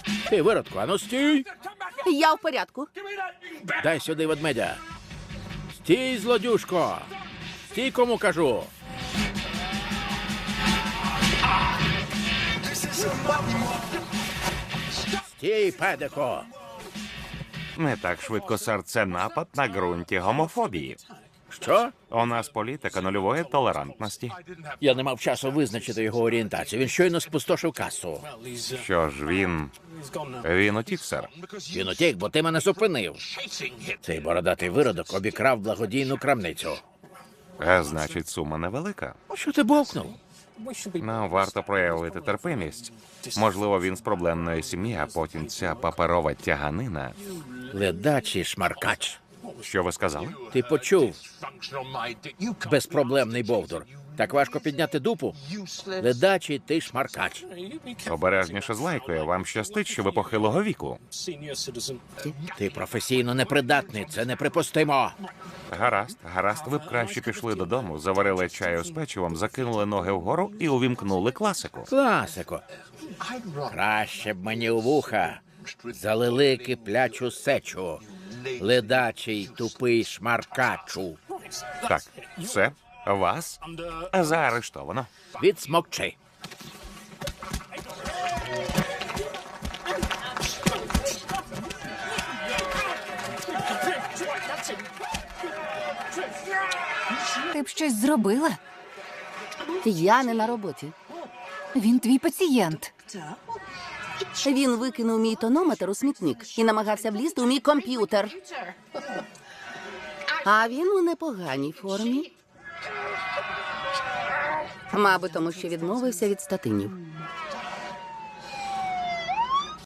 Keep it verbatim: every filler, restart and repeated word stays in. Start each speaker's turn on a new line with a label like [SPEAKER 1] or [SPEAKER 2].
[SPEAKER 1] Ти, виродку, ану стій!
[SPEAKER 2] Я в порядку.
[SPEAKER 1] Дай сюди ведмедя. Стій, злодюшко! Стій, кому кажу! Стій, педико!
[SPEAKER 3] Не так швидко, сер, це напад на ґрунті гомофобії.
[SPEAKER 1] Що?
[SPEAKER 3] У нас політика нульової толерантності.
[SPEAKER 1] Я не мав часу визначити його орієнтацію. Він щойно спустошив касу.
[SPEAKER 3] Що ж, він... Він утік, сер.
[SPEAKER 1] Він утік, бо ти мене зупинив. Цей бородатий виродок обікрав благодійну крамницю.
[SPEAKER 3] А значить, сума невелика.
[SPEAKER 1] Що ти бовкнув?
[SPEAKER 3] Нам варто проявити терпимість. Можливо, він з проблемної сім'ї, а потім ця паперова тяганина.
[SPEAKER 1] Ледачий шмаркач.
[SPEAKER 3] Що ви сказали?
[SPEAKER 1] Ти почув? Безпроблемний бовдур. Так важко підняти дупу? Ледачий ти шмаркач.
[SPEAKER 3] Обережніше з лайкою. Вам щастить, що ви похилого віку.
[SPEAKER 1] Ти професійно непридатний. Це неприпустимо.
[SPEAKER 3] Гаразд, гаразд. Ви б краще пішли додому, заварили чаю з печивом, закинули ноги вгору і увімкнули класику.
[SPEAKER 1] Класико. Краще б мені у вуха залили киплячу сечу. Ледачий тупий шмаркачу.
[SPEAKER 3] Так, все. Вас заарештовано.
[SPEAKER 1] Відсмокчи.
[SPEAKER 4] Ти б щось зробила?
[SPEAKER 2] Я не на роботі.
[SPEAKER 4] Він твій пацієнт.
[SPEAKER 2] Він викинув мій тонометр у смітник і намагався влізти у мій комп'ютер. А він у непоганій формі. Мабуть, тому що відмовився від статинів.